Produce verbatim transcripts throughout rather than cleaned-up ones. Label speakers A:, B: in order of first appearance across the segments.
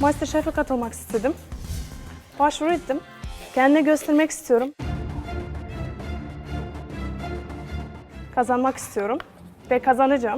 A: MasterChef'e katılmak istedim. Başvuru ettim. Kendimi göstermek istiyorum. Kazanmak istiyorum. Ve kazanacağım.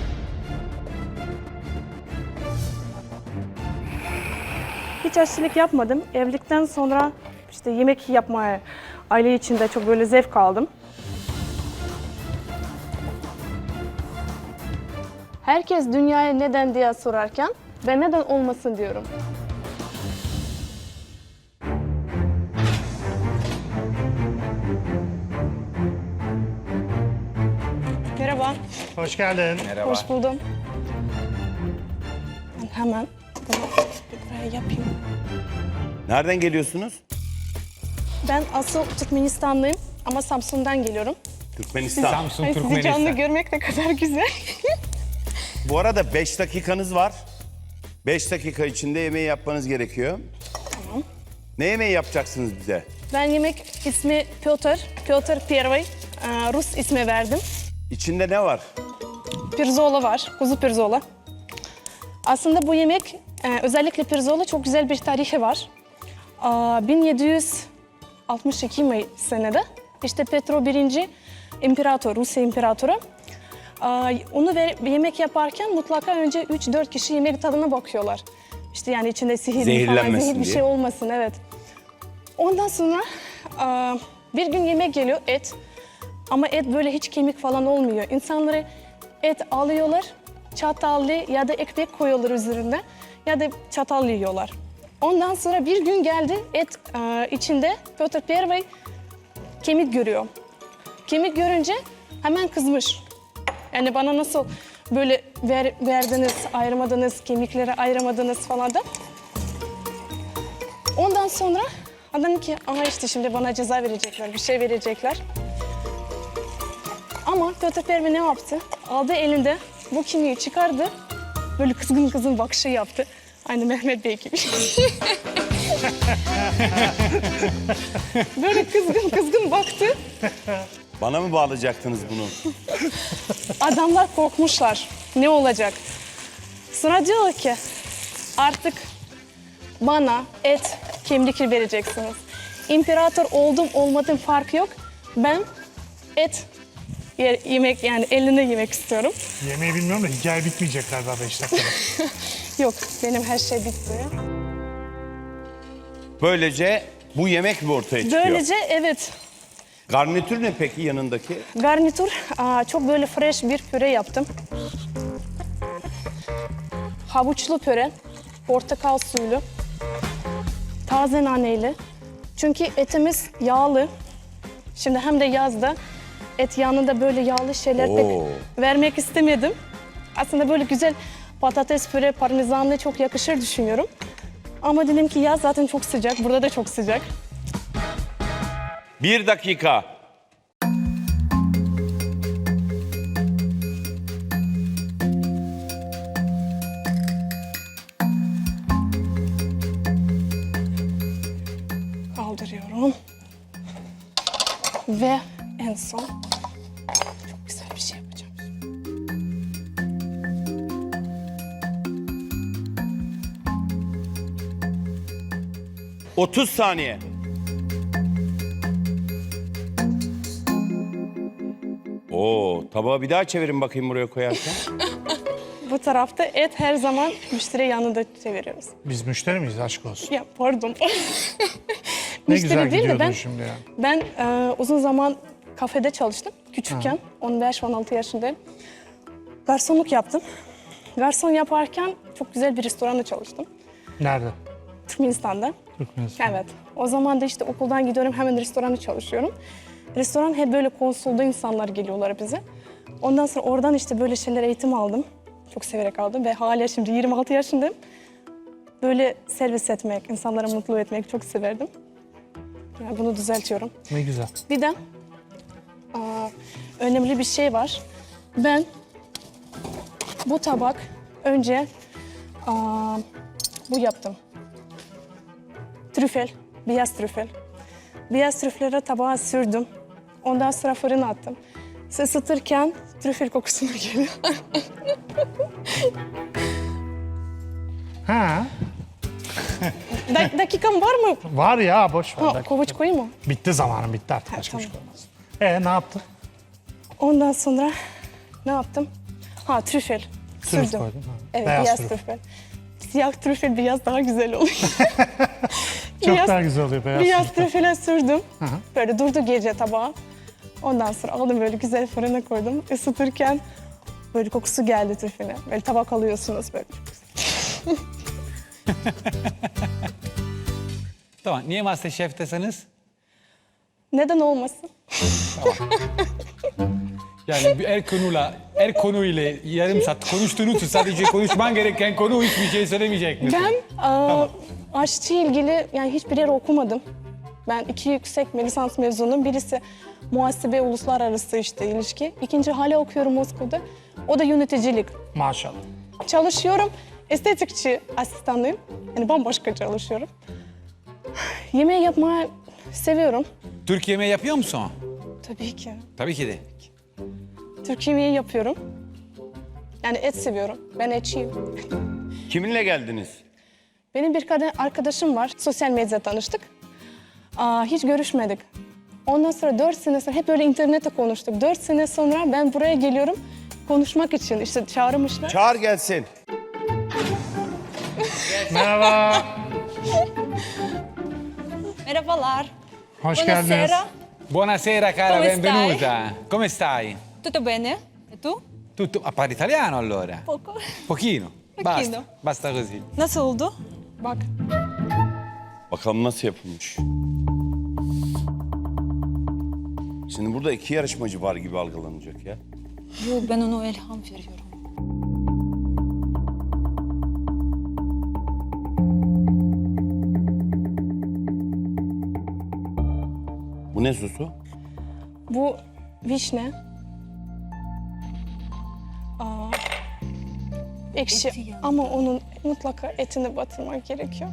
A: Hiç aşçılık yapmadım. Evlilikten sonra işte yemek yapmaya aile içinde çok böyle zevk aldım. Herkes dünyaya neden diye sorarken ben neden olmasın diyorum. Merhaba.
B: Hoş geldin.
C: Merhaba.
A: Hoş buldum. Ben hemen bunu buraya yapayım.
C: Nereden geliyorsunuz?
A: Ben asıl Türkmenistanlıyım ama Samsun'dan geliyorum.
C: Türkmenistan.
B: Samsun,
A: Ay, sizi
B: Türkmenistan.
A: canlı görmek ne kadar güzel.
C: Bu arada beş dakikanız var. beş dakika içinde yemeği yapmanız gerekiyor.
A: Tamam.
C: Ne yemeği yapacaksınız bize?
A: Ben yemek ismi Piotr, Piotr Первый, Ee, Rus ismi verdim.
C: İçinde ne var?
A: Pirzola var, kuzu pirzola. Aslında bu yemek, e, özellikle pirzola çok güzel bir tarihi var. Aa, bin yedi yüz altmış iki mi senede işte Petro birinci İmparator, Rusya İmparatoru. Aa, onu ver, yemek yaparken mutlaka önce üç dört kişi yemek tadına bakıyorlar. İşte yani içinde sihir falan,
C: Zehirlenmesin
A: zehir bir
C: diye.
A: şey olmasın, evet. Ondan sonra aa, bir gün yemek geliyor, et. Ama et böyle hiç kemik falan olmuyor. İnsanları et alıyorlar, çatallı ya da ekmek koyuyorlar üzerine ya da çatal yiyorlar. Ondan sonra bir gün geldi, et e, içinde Piotr Первый kemik görüyor. Kemik görünce hemen kızmış. Yani bana nasıl böyle ver, verdiniz, ayırmadınız, kemikleri ayıramadınız falan da. Ondan sonra adam ki, aha işte şimdi bana ceza verecekler, bir şey verecekler. Ama Piotr Первый ne yaptı? Aldı elinde bu kemiği çıkardı. Böyle kızgın kızgın bakışı yaptı. Aynı Mehmet Bey gibi. Böyle kızgın kızgın baktı.
C: Bana mı bağlayacaktınız bunu?
A: Adamlar korkmuşlar. Ne olacak? Sonra diyor ki artık bana et, kemik vereceksiniz. İmparator oldum olmadım fark yok. Ben et ye- yemek yani eline yemek istiyorum.
B: Yemeği bilmiyorum da hikaye bitmeyecek galiba beş dakikada.
A: Yok, benim her şey bitti.
C: Böylece bu yemek mi ortaya çıkıyor?
A: Böylece evet,
C: Garnitür ne peki yanındaki?
A: garnitür aa, çok böyle fresh bir püre yaptım. Havuçlu püre, portakal suylu, taze naneli. Çünkü etimiz yağlı. Şimdi hem de yazda et yanında böyle yağlı şeyler
C: Oo.
A: pek vermek istemedim. Aslında böyle güzel patates püre, parmesanlı çok yakışır düşünüyorum. Ama dedim ki yaz zaten çok sıcak, burada da çok sıcak.
C: Bir dakika.
A: Kaldırıyorum. Ve en son çok güzel bir şey yapacağım.
C: otuz saniye. Oo, tabağı bir daha çevirin bakayım buraya koyarken.
A: Bu tarafta et her zaman müşteri yanında çeviriyoruz.
B: Biz müşteri miyiz? Aşk olsun.
A: Ya pardon.
B: Ne
A: Müşteri
B: güzel
A: değil de
B: gidiyordun
A: ben,
B: şimdi ya.
A: Ben e, uzun zaman kafede çalıştım. Küçükken, on beş on altı yaşındayım. Garsonluk yaptım. Garson yaparken çok güzel bir restoranda çalıştım.
B: Nerede?
A: Türkmenistan'da.
B: Türkmenistan.
A: Evet. O zaman da işte okuldan gidiyorum, hemen restoranda çalışıyorum. Restoran hep böyle konsolda insanlar geliyorlar bize. Ondan sonra oradan işte böyle şeyler eğitim aldım. Çok severek aldım ve hala şimdi yirmi altı yaşındayım. Böyle servis etmek, insanları mutlu etmek çok severdim. Yani bunu düzeltiyorum.
B: Ne güzel.
A: Bir de aa, önemli bir şey var. Ben bu tabak önce aa, bu yaptım. Trüfel, beyaz trüfel. Beyaz trüfeleri tabağa sürdüm. Ondan sonra fırına attım. Isıtırken trüfel kokusuna geliyor.
B: Ha,
A: da- dakikam var mı?
B: Var ya boş ver.
A: Ha,
B: Dakika.
A: kovuç koyayım mı?
B: Bitti zamanın bitti artık. Başka bir
A: tamam.
B: şey olmaz. E ne yaptın?
A: Ondan sonra ne yaptım? Ha trüfel.
B: Trüf
A: Sürdüm.
B: koydun, ha.
A: Evet
B: Beyaz
A: beyaz,
B: trüf.
A: trüfel. Siyah trüfel beyaz daha güzel oluyor.
B: Çok
A: Beyaz-
B: daha güzel oluyor beyaz.
A: Beyaz
B: trüfler.
A: trüfele sürdüm.
B: hı.
A: Böyle durdu gece tabağa. Ondan sonra aldım böyle güzel fırına koydum. Isıtırken böyle kokusu geldi trüfele. Böyle tabak alıyorsunuz böyle.
D: Tamam. Niye Masterchef'tesiniz?
A: Neden olmasın?
D: Yani bir her konuyla, her konuyla yarım saat konuştuğun için sadece konuşman gereken konu hiçbir şey söylemeyecek misin?
A: Ben aa, aşçı ilgili yani hiçbir yer okumadım. Ben iki yüksek lisans mezunum. Birisi muhasebe uluslararası işte ilişki. İkinci hala okuyorum Moskova'da. O da yöneticilik.
B: Maşallah.
A: Çalışıyorum. Estetikçi asistanlıyım. Yani bambaşka çalışıyorum. Yemeği yapmayı seviyorum.
D: Türk yemeği yapıyor musun?
A: Tabii ki.
D: Tabii ki de.
A: Türk yemeği yapıyorum. Yani et seviyorum. Ben etçiyim.
C: Kiminle geldiniz?
A: Benim bir kadın arkadaşım var. Sosyal medyada tanıştık. Aa, hiç görüşmedik. Ondan sonra dört sene sonra hep böyle internette konuştuk. Dört sene sonra ben buraya geliyorum konuşmak için. İşte çağırmışlar.
C: Çağır gelsin.
B: Merhaba.
E: Merhabalar.
B: Hoş geldiniz.
E: Buonasera.
D: Buonasera cara,
E: Come stai?
D: benvenuta. Come stai?
E: Tutto bene? E tu?
D: Tutto, ah, parli italiano allora?
E: Poco.
D: Pochino. Basta,
E: Pochino.
D: basta così.
E: Nasıl oldu?
A: Bak.
C: Bakalım nasıl yapılmış. Şimdi burada iki yarışmacı var gibi algılanacak ya.
E: Yok, ben ona ilham veriyorum.
C: Bu ne sosu?
A: Bu vişne. Aa, ekşi
E: Eti yani.
A: ama onun mutlaka etini batırmak gerekiyor.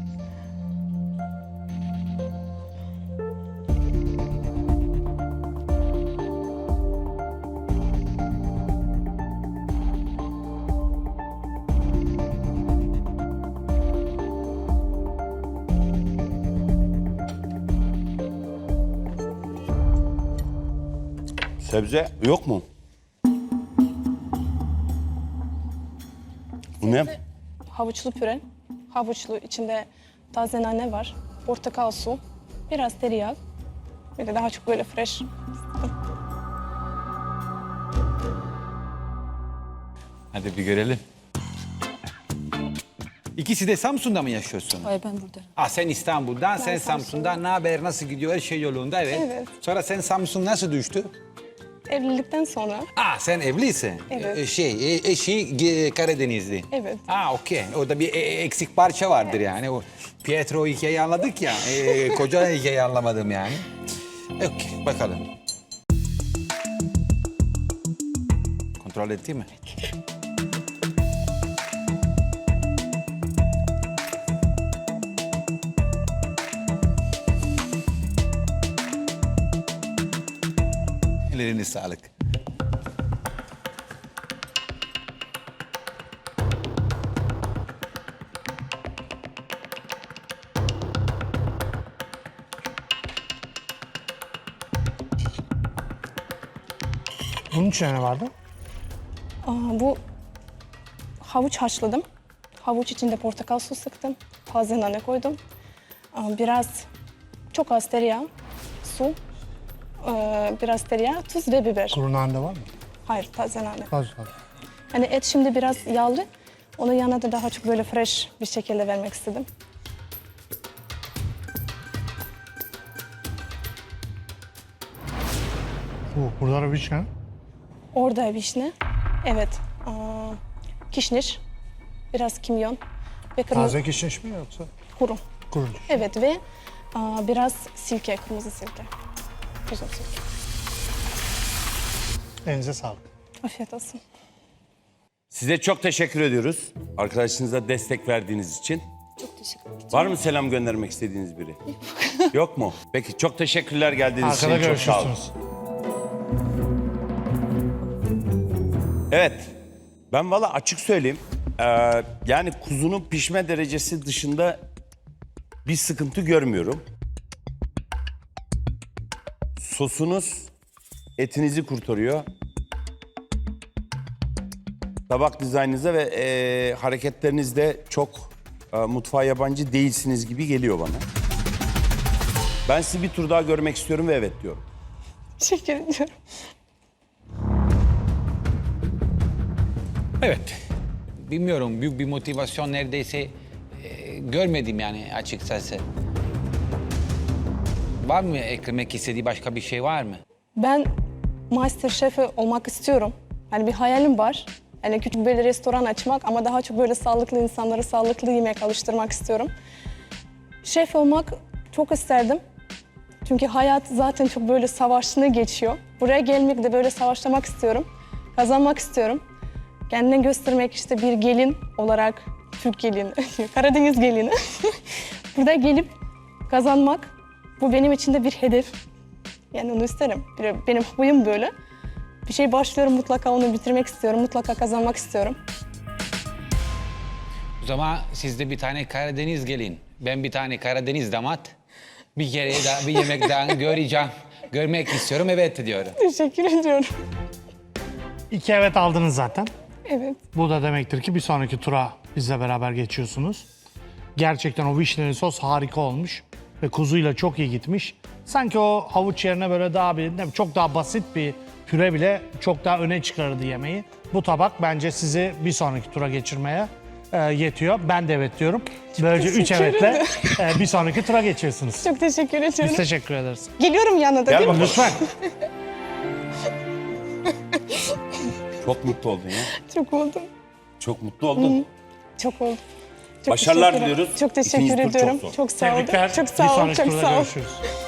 C: Sebze yok mu? Bu ne?
A: Havuçlu püre. Havuçlu içinde taze nane var. Portakal su. Biraz tereyağı. Bir de daha çok böyle fresh.
D: Hadi bir görelim. İkisi de Samsun'da mı yaşıyorsun?
E: Hayır, ben buradayım.
D: Ah sen İstanbul'dan, sen
A: Samsun'da.
D: Samsun'dan. Ne haber, nasıl gidiyor? Her şey yolunda, evet.
A: Evet.
D: Sonra sen Samsun nasıl düştü?
A: Evlilikten sonra.
D: Ah sen evlisin.
A: Evet.
D: Ee, şey, e- eşi e, Karadenizli.
A: Evet.
D: Ah okey. Orada bir e- eksik parça vardır yani. O Pietro hikayeyi anladık ya. E, koca hikayeyi anlamadım yani. Okey, bakalım. Kontrol etti mi? Ellerine sağlık.
B: Bunun içine ne vardı?
A: Aa, bu havuç haşladım. Havuç içinde portakal su sıktım. Taze nane koydum. Aa, biraz çok az tereyağı, su, ee, biraz tereyağı, tuz ve biber.
B: Kuru nane var mı?
A: Hayır, taze nane.
B: Az var.
A: Hani et şimdi biraz yağlı. Onun yanına da daha çok böyle fresh bir şekilde vermek istedim.
B: Bu, burada da vişne.
A: Orada vişne. Evet. Aa, kişniş. Biraz kimyon. Ve kırmızı
B: Taze kişniş mi yoksa
A: kuru.
B: kuru?
A: Evet ve aa, biraz silke, kırmızı silke. Güzel silke.
B: Elinize sağlık.
A: Afiyet olsun.
C: Size çok teşekkür ediyoruz. Arkadaşınıza destek verdiğiniz için.
E: Çok teşekkür ederim.
C: Var mı selam göndermek istediğiniz biri? Yok mu? Peki çok teşekkürler geldiğiniz
B: Arkada
C: için. Çok sağ olun.
B: görüşürsünüz.
C: Evet. Ben valla açık söyleyeyim. Ee, yani kuzunun pişme derecesi dışında bir sıkıntı görmüyorum. Sosunuz etinizi kurtarıyor. Tabak dizaynınıza ve e, hareketlerinizde çok e, mutfağa yabancı değilsiniz gibi geliyor bana. Ben sizi bir tur daha görmek istiyorum ve evet diyorum.
A: Teşekkür ediyorum.
D: Evet. Bilmiyorum, büyük bir motivasyon neredeyse e, görmedim yani açıkçası. Var mı eklemek istediği başka bir şey var mı?
A: Ben MasterChef olmak istiyorum. Yani bir hayalim var. Yani küçük böyle restoran açmak ama daha çok böyle sağlıklı insanları sağlıklı yemek alıştırmak istiyorum. Şef olmak çok isterdim. Çünkü hayat zaten çok böyle savaşını geçiyor. Buraya gelmek de böyle savaşlamak istiyorum. Kazanmak istiyorum. Kendini göstermek işte bir gelin olarak, Türk gelini, Karadeniz gelini. Burada gelip kazanmak, bu benim için de bir hedef. Yani onu isterim. Bir- Benim huyum böyle. Bir şey başlıyorum, mutlaka onu bitirmek istiyorum, mutlaka kazanmak istiyorum.
D: O zaman siz de bir tane Karadeniz gelin. Ben bir tane Karadeniz damat. Bir kere daha bir yemek daha göreceğim. Görmek istiyorum, evet diyorum.
A: Teşekkür ediyorum.
B: İki evet aldınız zaten.
A: Evet.
B: Bu da demektir ki bir sonraki tura bizle beraber geçiyorsunuz. Gerçekten o vişneli sos harika olmuş ve kuzuyla çok iyi gitmiş. Sanki o havuç yerine böyle daha bir, ne- çok daha basit bir püre bile çok daha öne çıkarırdı yemeği. Bu tabak bence sizi bir sonraki tura geçirmeye e, yetiyor. Ben de evet diyorum. Böylece üç
A: teşekkür
B: evetle e, bir sonraki tura geçiyorsunuz.
A: Çok teşekkür ediyorum.
B: Biz teşekkür ederiz.
A: Geliyorum yanına da
C: Gel
A: değil mi?
C: bakalım.
B: Lütfen.
C: Çok mutlu oldun ya.
A: Çok oldum.
C: Çok mutlu oldun.
A: Çok oldum. Çok
C: Başarılar
A: teşekkür ederim.
C: diliyoruz.
A: Çok teşekkür
C: İkinci tur çok
A: ediyorum.
C: zor.
A: Çok, sağ olun.
B: Tebrikler.
A: Çok
B: Bir
A: sağ olun.
B: sonraki
A: Çok
B: turda
A: sağ olun.
B: görüşürüz.